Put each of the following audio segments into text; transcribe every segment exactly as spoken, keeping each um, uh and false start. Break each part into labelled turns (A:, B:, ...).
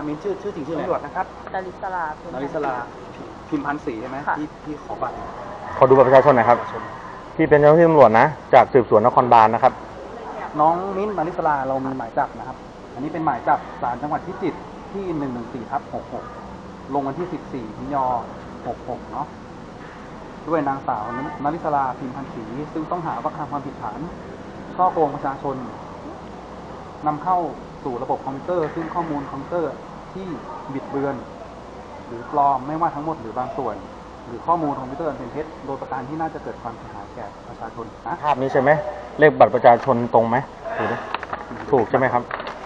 A: มินชื่อชื่อจริงชื่ออะไรตำรวจนะครับ
B: ดาริสลาพิมพ์
A: นาริสลาพิมพันธ์ศรีใช่ไหม
B: ค่ะ
A: ที่ที่ขอบัตร
C: ขอดูบัตรประชาชนหน่อยครับพี่เป็นเจ้าหน้าที่ตำรวจนะจากสืบสวนนครบาลนะครับ
A: น้องมิ้นท์นาริสลาเรามีหมายจับนะครับ อันนี้เป็นหมายจับศาลจังหวัดพิจิตรที่หนึ่งหนึ่งสี่ทับหกหกลงวันที่สิบสี่มิถุนายนหกหกเนาะด้วยนางสาวนาริสลาพิมพันธ์ศรีซึ่งต้องหาว่ากระทำความผิดฐานช่อโกงประชาชนนำเข้าสู่ระบบคอมพิวเตอร์ซึ่งข้อมูลคอมพิวเตอร์ที่บิดเบือน หรือปลอมไม่ว่าทั้งหมดหรือบางส่วน หรือข้อมูลคอมพิวเตอร์เป็นเท็จโดยประการที่น่าจะเกิดความเสียหายแก่ประชาชนนะ
C: ภาพนี้ใช่ไหมเลขบัตรประชาชนตรงไหมถูกไหมถูกใช่ไหมครับ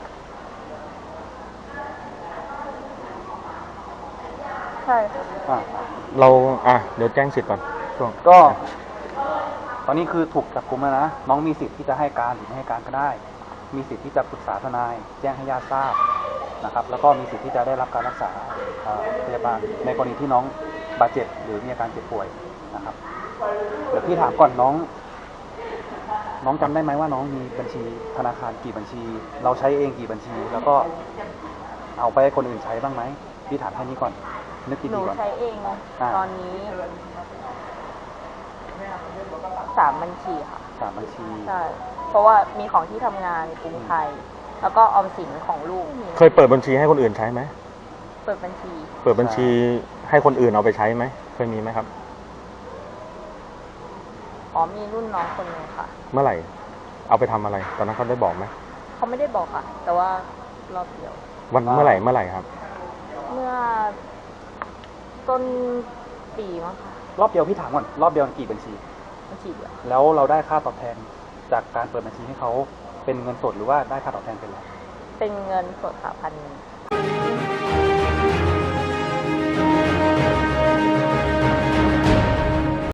B: ใช่ค่ะ
A: อ่า
C: เราอ่ะเดี๋ยวแจ้งสิทธิ์ก่อนช่วง
A: ก็ ตอนนี้คือถูกจับกุมแล้วนะน้องมีสิทธิ์ที่จะให้การหรือไม่ให้การก็ได้ มีสิทธิ์ที่จะปรึกษาทนาย แจ้งให้ญาติทราบนะครับ แล้วก็มีสิทธิ์ที่จะได้รับการรักษาอ่าพยาบาลในกรณีที่น้องบาดเจ็บหรือมีอาการเจ็บป่วยนะครับเดี๋ยวพี่ถามก่อนน้อง น้องจำได้ไหมว่าน้องมีบัญชีธนาคารกี่บัญชี เราใช้เองกี่บัญชี แล้วก็เอาไปให้คนอื่นใช้บ้างไหมพี่ถามแค่นี้ก่อนนึก
B: หนู
A: ดีๆก่อน
B: ใช้เอง
A: อ่า
B: ตอนนี้สามบัญชีค่ะ
A: สามบัญชี
B: ใช่ เพราะว่ามีของที่ทำงานกรุงไทย แล้วก็ออมสินของลูก
C: เคยเปิดบัญชีให้คนอื่นใช้ไหม
B: เปิดบัญชี
C: เปิดบัญชีให้คนอื่นเอาไปใช้ไหมเคยมีไหมครับ
B: อ๋อมีรุ่นน้องคนหนึงค่ะ
C: เมื่อไหร่ เอาไปทำอะไร ตอนนั้นเขาได้บอกไหม
B: เขาไม่ได้บอกค่ะ แต่ว่ารอบเดียว
C: วันเมื่อไหร่เมื่อไหร่ครับ
B: เมื่อต้นปีมั้งค่ะ
A: รอบเดียวพี่ถามก่อนรอบเดียวกี่บัญชี
B: บัญชีเดียว
A: แล้วเราได้ค่าตอบแทนจากการเปิดบัญชีให้เขาเป็นเงินสดหรือว่าได้ค่าตอบแทนเป็นอะไร
B: เป็นเงินสดค่ะพันหนึ่ง